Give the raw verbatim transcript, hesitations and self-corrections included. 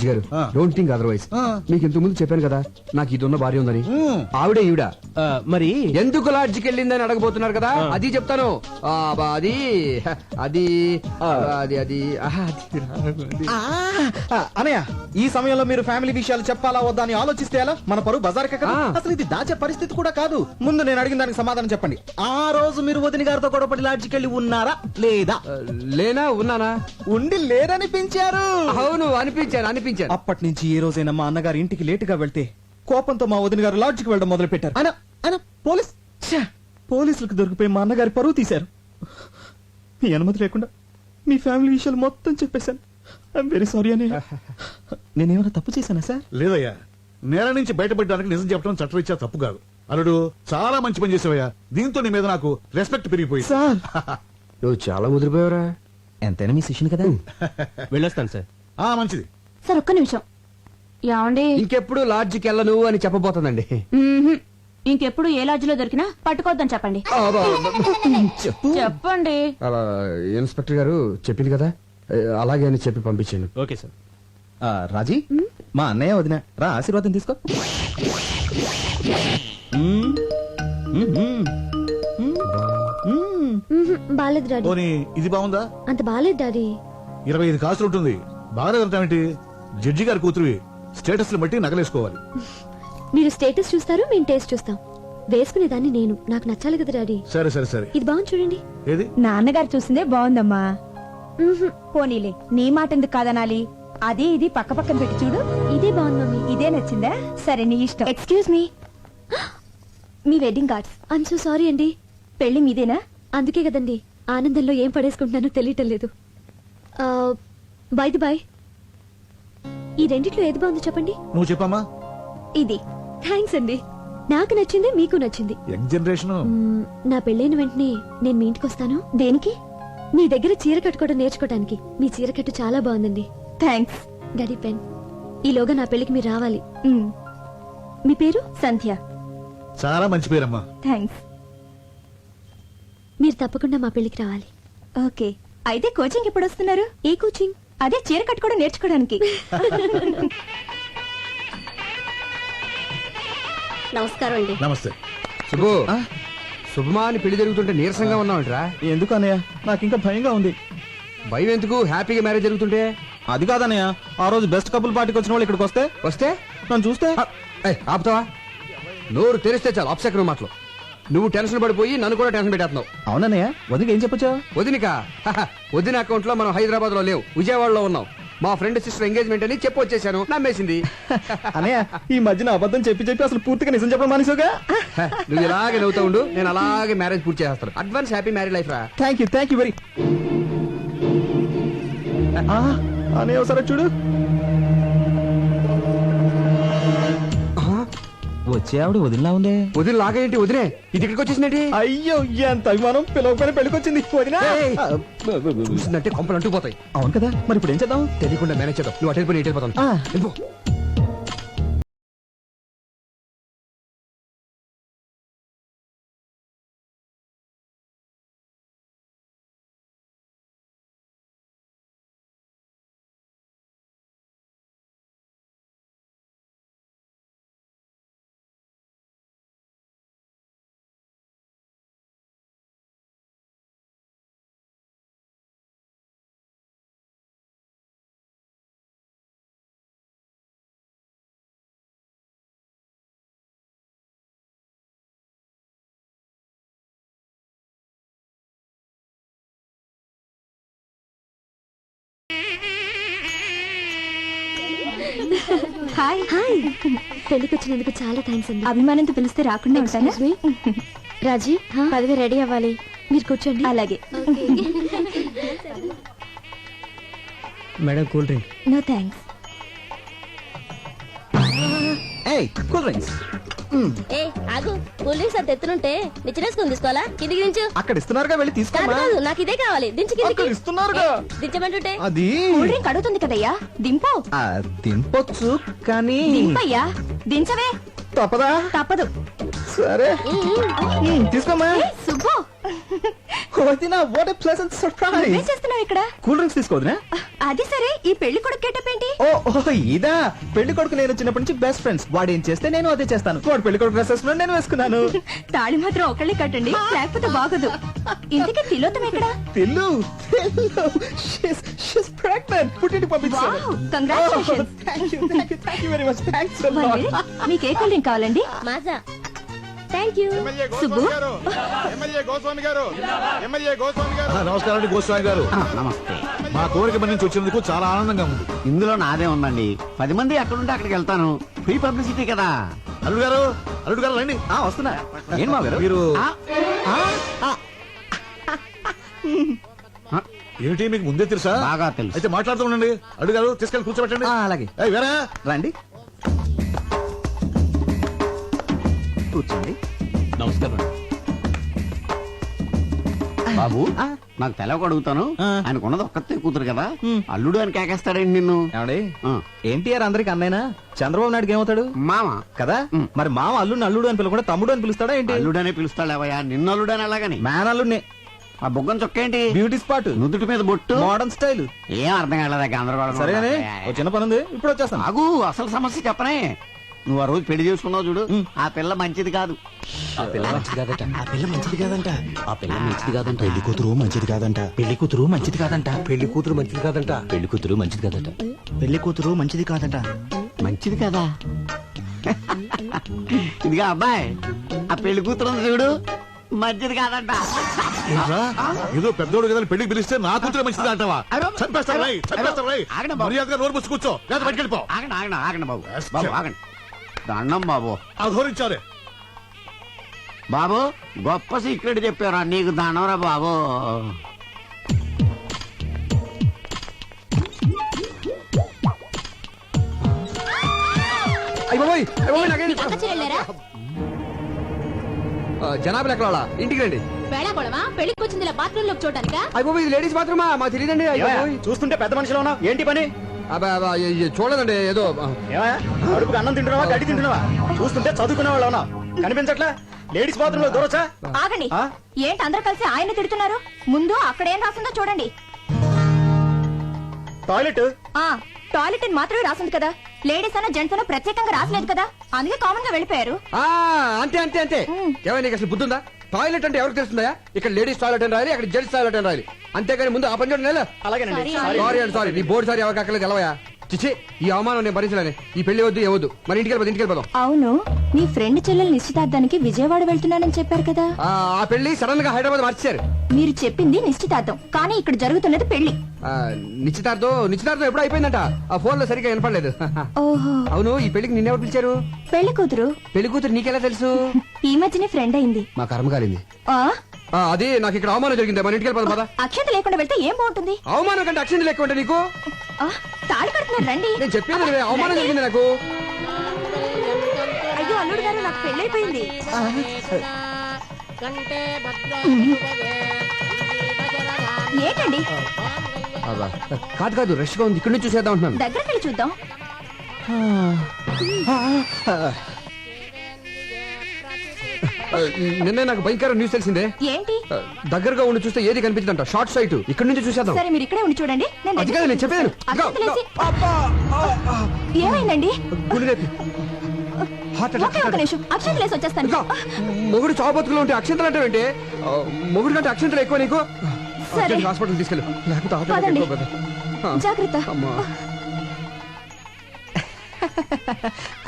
రాజు గారు don't think otherwise. మీకు ఇంతకు ముందు చెప్పాను కదా నాకు ఇది ఉన్న భార్య ఉందని. ఆవిడే ఈవిడ. మరి ఎందుకు లాడ్జికి వెళ్ళిందని అడగబోతున్నారు కదా, అది చెప్తాను. ఆ, బా, అది అది అది అది ఆహా, అది. అనయ్య, ఈ సమయంలో మీరు ఫ్యామిలీ విషయాలు చెప్పాలా వద్దా అని ఆలోచిస్తే ఎలా? మన పరువు బజార్కే కదా. అసలు ఇది దాచే పరిస్థితి కూడా కాదు. ముందు నేను అడిగిన దానికి సమాధానం చెప్పండి. ఆ రోజు మీరు వదిన గారితో గొడవపడి లాడ్జికి వెళ్ళి ఉన్నారా లేదా? లేనా ఉన్నానా? ఉండి లేరనిపించారు. అవును అనిపించాను అనిపించాను. అప్పటి నుంచి ఏ రోజైనా మా అన్నగారి ఇంటికి లేటుగా వెళ్తే కోపంతో మా వదిన గారు లాడ్జికి వెళ్ళడం మొదలు పెట్టారు. ఆయన ఆయన పోలీస్ ఛే, పోలీసులకు దొరికిపోయి మా అన్నగారి పరువు తీశారు. మీ అనుమతి లేకుండా మీ ఫ్యామిలీ విషయాలు మొత్తం చెప్పేశాను. ఐఎమ్ వెరీ సారీ అని. నేనేమైనా తప్పు చేశానా సార్? లేదయ్యా, నేల నుంచి బయటపడడానికి నిజం చెప్పడం చట్టరీత్యా తప్పు కాదు. అల్లుడు చాలా మంచి పని చేసావయ్యా. దీంతో నీ మీద నాకు రెస్పెక్ట్ పెరిగిపోయింది. సార్ నువ్వు చాలా ముదిరిపోయావురా. ఎంతైనా మీ శిష్యుని కదా. వెళ్ళొస్తాను సార్. ఆ మంచిది. సార్ ఒక్క నిమిషం. ఏమండి, ఇంకెప్పుడు లాడ్జికి వెళ్ళను అని చెప్పబోతుందండి. మ్మ్హ్మ్. ఇంకెప్పుడు ఏ లాడ్జిలో దొరికినా పట్టుకోవద్దని చెప్పండి. చెప్పండి. అలా ఇన్స్పెక్టర్ గారు చెప్పింది కదా, అలాగే అని చెప్పి పంపించాను. Okay sir. రాజీ, మా అన్నయ్య వదిన రా, ఆశీర్వాదం తీసుకో. బాలేదు డాడీ. పోనీ ఇది బాగుందా? అంత బాలేదు డాడీ. ఇరవై ఐదు కాసులు ఉంటుంది. బాగా ఏంటి? జడ్జి గారి కూతురువి. స్టేటస్ బట్టి నగలేసుకోవాలి. మీరు స్టేటస్ చూస్తారు, మేము టేస్ట్ చూస్తాం. వేసుకునేదాన్ని నేను, నాకు నచ్చాలి కదా డాడీ. సరే సరే సరే. ఇది బాగుంది చూడండి. ఏది? నాన్నగారు చూసిందే బాగుందమ్మా. పోనీలే, నీ మాట ఎందుకు కాదనాలి? అదే ఇది పక్క పక్కన పెట్టి చూడు. ఇదే బాగుంది మమ్మీ. ఇదే నచ్చిందా? సరే నీ ఇష్టం. ఎక్స్క్యూజ్ మీ, మీ wedding cards. I'm so sorry అండి. పెళ్లి మీదేనా? అందుకే కదండి ఆనందంలో ఏం పడేసుకుంటున్నానో తెలియటం లేదు. బై ది బై, ఈ రెండిట్లో ఏది బాగుందో చెప్పండి. నువ్వు చెప్పమ్మా. ఇది. థ్యాంక్స్ అండి. నాకు నచ్చింది, మీకు నచ్చింది. Young generation. మ్మ్, నా పెళ్ళైన వెంటనే నేను మీ ఇంటికి వస్తాను. దేనికి? మీ దగ్గర చీర కట్టుకోవడం నేర్చుకోవడానికి. మీ చీర కట్టు చాలా బాగుందండి. థ్యాంక్స్. Daddy pen. ఈలోగా నా పెళ్లికి మీరు రావాలి. మ్, మీ పేరు? సంధ్య. చాలా మంచి పేరమ్మా. థ్యాంక్స్. మీరు తప్పకుండా మా పెళ్లికి రావాలి. ఓకే, అయితే కోచింగ్ ఎప్పుడు వస్తున్నారు? ఏ కోచింగ్? అదే చీర కట్టుకోవడం నేర్చుకోవడానికి. నమస్కారం అండి. నమస్తే. శుభు, శుభమా అని పెళ్లి జరుగుతుంటే నీరసంగా ఉన్నావంటరా? ఎందుకు అన్నయ్య, నాకు ఇంకా భయంగా ఉంది. భయం ఎందుకు? హ్యాపీగా మ్యారేజ్ జరుగుతుంటే. అది కాదన్నయ్య, ఆ రోజు బెస్ట్ కపుల్ పార్టీకి వచ్చిన వాళ్ళు ఇక్కడికి వస్తే వస్తే నన్ను చూస్తే ఏయ్, ఆపుతావా? నోరు తెరిస్తే చాలు అప్సెకరం మాటలు. నువ్వు టెన్షన్ పడిపోయి నన్ను కూడా టెన్షన్ పెట్టేస్తున్నావు. అవునన్నయ్య, వదిలికి ఏం చెప్పొచ్చా? వదినిక వదిన అకౌంట్ లో మనం హైదరాబాద్ లో లేవు, విజయవాడలో ఉన్నాం. మా ఫ్రెండ్ సిస్టర్ ఎంగేజ్మెంట్ అని చెప్పి వచ్చేసాను. నమ్మేసింది. అన్నయ్య, ఈ మధ్యన అబద్ధం చెప్పి చెప్పి అసలు పూర్తిగా నిజం చెప్పడం మానేసావుగా. నువ్వు ఇలాగే నవ్వుతా ఉండు, నేను అలాగే మ్యారేజ్ పూర్తి చేస్తాను. అడ్వాన్స్ హ్యాపీ మ్యారేజ్ లైఫ్ రా. Thank you thank you very. అన్నయ్య ఒకసారి చూడు. వచ్చే ఆవిడ వదిలిలా ఉందే. వదిన లాగేంటి? వదినే ఇది ఇక్కడికి వచ్చేసినట్టు. అయ్యో, ఎంత అభిమానం! పిలవకపోయినా పెళ్ళికొచ్చింది వదినా. చూసిందంటే కొంపలు అంటుకుపోతాయి. అవును కదా, మరి ఇప్పుడు ఏం చేద్దాం? తెలియకుండా మేనేజ్ చేద్దాం. నువ్వు అటు వెళ్ళిపోయి ఇటు వెళ్ళిపోతాను. ఆ. వెళ్ళిపో. Hi hi. పెళ్లికి వచ్చినందుకు చాలా థ్యాంక్స్ అండి. అభిమానంతో పిలిస్తే రాకుండా ఉంటానా? రాజీ, పదవి రెడీ అవ్వాలి. మీరు కూర్చోండి. అలాగే. Madam cool drink. No thanks. ఏయ్, కూల్ డ్రింక్స్. ఏ ఆగు, కూల్ డ్రింక్స్ అంత ఎత్తునుంటే నిచ్చినేసుకుని తీసుకోవాలా? కిందికి దించు. అక్కడ ఇస్తున్నారుగా, వెళ్ళి తీసుకో. కాదు కాదు, నాకు ఇదే కావాలి. దించు కిందికి. అక్కడ ఇస్తున్నారుగా. ఏ, దించమంటుంటే. అది కూల్ డ్రింక్ అడుగుతుంది కదయ్యా, దింపు. ఆ, దింపొచ్చు కానీ దింపయ్యా, దించవే. తప్పదా? తప్పదు. సరే, ఉమ్, తీసుకోమ్మా. ఏయ్, సుబ్బు, వదినా, వాట్ ఎ ప్లెజెంట్ సర్ప్రైజ్. నువ్వేం చేస్తున్నావు ఇక్కడ? కూల్ డ్రింక్స్ తీసుకోవద్దునా? అది సరే ఈ పెళ్లి కొడుకు గెటప్ ఏంటి? ఓ ఓ, ఇదా పెళ్లి కొడుకు నేను చిన్నప్పటి నుంచి బెస్ట్ ఫ్రెండ్స్. వాడు ఏం చేస్తే నేను అదే చేస్తాను. వాడు పెళ్లి కొడుకు డ్రెస్ వేసుకున్నాడు, నేను వేసుకున్నాను. తాళి మాత్రం ఒకళ్ళే కట్టండి, లేకపోతే బాగోదు. ఇంతకీ తిలోతం ఎక్కడ? Tillu Tillu she's she's pregnant. పుట్టింటికి పంపించాను. Wow, congratulations. Thank you thank you thank you very much. Thanks uh One lot. minute. మీకు ఏ కూల్ డ్రింక్ కావాలండి? Maaza. Thank you. Subbu MLA Goswami garu MLA Goswami గారు ఆ, నమస్కారం అండి గోస్వామి గారు. నమస్తే. మా కోరిక మన నుంచి వచ్చినందుకు చాలా ఆనందంగా ఉంది. ఇందులో నాదే ఉందండి. పది మంది ఎక్కడుంటే అక్కడికి వెళ్తాను. ఫ్రీ పబ్లిసిటీ కదా. అల్లుడు గారు అల్లుడు గారు రండి. ఆ వస్తున్నా. ఏం మా గారు? మీరు ఆ, ఆ, ఆ, ఏమిటి మీకు ముందే తెలుసా? బాగా తెలుసు. అయితే మాట్లాడుతూ ఉండండి. అల్లుడు గారు తీసుకెళ్ళి కూర్చోబెట్టండి. ఆ, అలాగే. ఏయ్, వేరా రండి కూర్చోండి. బాబు ఆ. నాకు తెలవక అడుగుతాను. ఆ. ఆయనకున్నది ఒక్కతే కూతురు కదా, ఉమ్. అల్లుడు అని కేకేస్తాడండి నిన్ను. ఏమండి ఆ. ఎన్టీఆర్ అందరికి అన్నైనా చంద్రబాబు నాయుడుకి ఏమవుతాడు మామ కదా? ఉమ్. మరి మామ అల్లుడిని అల్లుడు అని పిలవకుండా తమ్ముడు అని పిలుస్తాడా ఏంటి? అల్లుడనే పిలుస్తాడేవయ్యా, నిన్ను అల్లుడని అలాగని. మ్యాన్ అల్లుడిని. ఆ బుగ్గం చొక్క ఏంటి? బ్యూటీ స్పాట్, నుదుటి మీద బొట్టు. Modern style. ఏం అర్థం కాలేదా గందరగోళం? సరేగానే ఓ చిన్న పని ఉంది, ఇప్పుడు వచ్చేస్తాను. ఆగు, అసలు సమస్య చెప్పనే. నువ్వు ఆ రోజు పెళ్లి చేసుకున్నావు చూడు, ఆ పిల్ల మంచిది కాదు. ఆ పిల్ల మంచిది కాదట ఆ పిల్ల మంచిది కాదంట ఆ పిల్ల మంచిది కాదంట పెళ్లి కూతురు మంచిది కాదంట పెళ్లి కూతురు మంచిది కాదంట పెళ్లి కూతురు మంచిది కాదంట పెళ్లి కూతురు మంచిది కాదట పెళ్లి కూతురు మంచిది కాదంట మంచిది కదా. ఇదిగా అబ్బాయి, ఆ పెళ్లి కూతురు ఉంది చూడు, మంచిది కాదంట. ఏంట్రా? ఏదో పెద్దోడు కదా అని పెళ్లికి పిలిస్తే నా కూతురు మంచిది అంటావా? చంపేస్తాను రై, చంపేస్తాను రై. ఆగండి బాబు. మర్యాదగా నోరు మూసి కూర్చో, లేదా బయటికి వెళ్ళిపో. ఆగండి ఆగండి ఆగండి బాబు. బాబు ఆగండి. దండం బాబు. అధోరించారే. బాబు గొప్ప సీక్రెట్ చెప్పారా, నీకు దండంరా బాబు. అయ్య బాబోయ్, అయ్య బాబోయ్, నాకేంటి? అక్క చెల్లెలేరా? ఆ, జనాభా ఎక్కడ వాళ్ళ ఇంటికి రండి. వేళాకోళమా? పెళ్లికి వచ్చింది ఇలా బాత్రూమ్ లోకి చూడటానికా? అయ్య బాబోయ్, ఇది లేడీస్ బాత్రూమా? మాకు తెలియదండి. అయ్య బాబోయ్. చూస్తుంటే పెద్ద మనిషిలో ఉన్నావు, ఏంటి పని? అబ్బా, అబ్బా, ఇ- ఇ- చూడదండి ఏదో ఆ, ఏమయ్యా, అడుపుకి అన్నం తింటున్నావా, గడ్డి తింటున్నావా? చూస్తుంటే చదువుకునే వాళ్ళు ఉన్నావు, కనిపించట్లా? లేడీస్ బాత్రూమ్ లో దూరొచ్చా? ఆగండి. ఆ? ఏంటి అందరూ కలిసి ఆయన తిడుతున్నారు? ముందు అక్కడ ఏం రాసిందో చూడండి. టాయిలెట్. ఆ టాయిలెట్ అని మాత్రమే రాసింది కదా, లేడీస్ అన్న జెంట్స్ అన్న ప్రత్యేకంగా రాసలేదు కదా, అందుకే కామన్ గా వెళ్ళిపోయారు. ఆ, అంతే అంతే అంతే. ఏమైనా నీకు అసలు బుద్ధుందా? టాయిలెట్ అంటే ఎవరికి తెలుస్తుందా? ఇక్కడ లేడీస్ టాయిలెట్ అని రాయాలి, అక్కడ జెంట్స్ టాయిలెట్ అని రాయాలి. అంతేగాని ముందు ఆ పని చూడండి. నెల అలాగేనండి. సారీ అండి, సారీ. నీ బోర్డు సారీ ఎవరికి అక్కర్లేదు, తెలవయా? చిచ్చి, ఈ అవమానం నేను భరించలేను. ఈ పెళ్లి వద్దు, ఏవద్దు. మరి ఇంటికి వెళ్ళిపోదు, ఇంటికి వెళ్ళిపోదాం. అవును, నీ ఫ్రెండ్ చెల్లెల నిశ్చితార్థానికి విజయవాడ వెళ్తున్నానని చెప్పారు కదా. ఆ, ఆ పెళ్లి సడన్ గా హైదరాబాద్ మార్చారు. మీరు చెప్పింది నిశ్చితార్థం, కానీ ఇక్కడ జరుగుతున్నది పెళ్లి. ఆ, నిశ్చితార్థం నిశ్చితార్థం ఎప్పుడు అయిపోయిందంట. ఆ ఫోన్ లో సరిగ్గా వినపడలేదు. ఓహో, అవును, ఈ పెళ్లికి నిన్నెవరు పిలిచారు? పెళ్లి కూతురు పెళ్లి కూతురు నీకెలా తెలుసు? ఈ మధ్యనే ఫ్రెండ్ అయింది. మా కర్మ కాలింది. ఆ ఆ, అది నాకు ఇక్కడ అవమానం జరిగింది. మన ఇంటికి వెళ్ళిపోదాం పద. అక్షత లేకుండా వెళ్తే ఏం బాగుంటుంది? అవమానం కంటే అక్షింది లెక్క ఉంటే నీకు ఆ, తాళి కడుతున్నారు, రండి. నేను చెప్పేది వినవే, అవమానం జరిగింది నాకు. అయ్యో అల్లుడు గారు, నాకు పెళ్ళైపోయింది. ఏంటండి? అబ్బా, కాదు కాదు, రష్ గా ఉంది, ఇక్కడ నుంచి చూసేద్దాం అంటున్నాను. దగ్గరికి వెళ్ళి చూద్దాం. ఆ, నిన్నే నాకు భయంకర న్యూస్ తెలిసిందే. ఏంటి? ఆ, దగ్గరగా ఉండి చూస్తే ఏది కనిపించదంట. Short site. ఇక్కడ నుంచి చూసేద్దాం. సరే మీరు ఇక్కడే ఉండి చూడండి, నేను అది కాదు నేను చెప్పేది. అక్షతలు వేసి- ఏమైందండి? హార్ట్ ఒకే ఒక నిమిషం, అక్షతలు వేసి వచ్చేస్తాను. మొగుడు చావు బతుకులు ఉంటే అక్షంతలు అంటే ఏంటి? ఆ, మొగుడు కంటే అక్షంతలు ఎక్కువ నీకు. సరే. అర్జెంట్ హాస్పిటల్ తీసుకెళ్ళు, లేకపోతే హార్ట్ అటాక్ పదండి. ఎక్కువ కదా. ఆ, జాగ్రత్త. అమ్మా.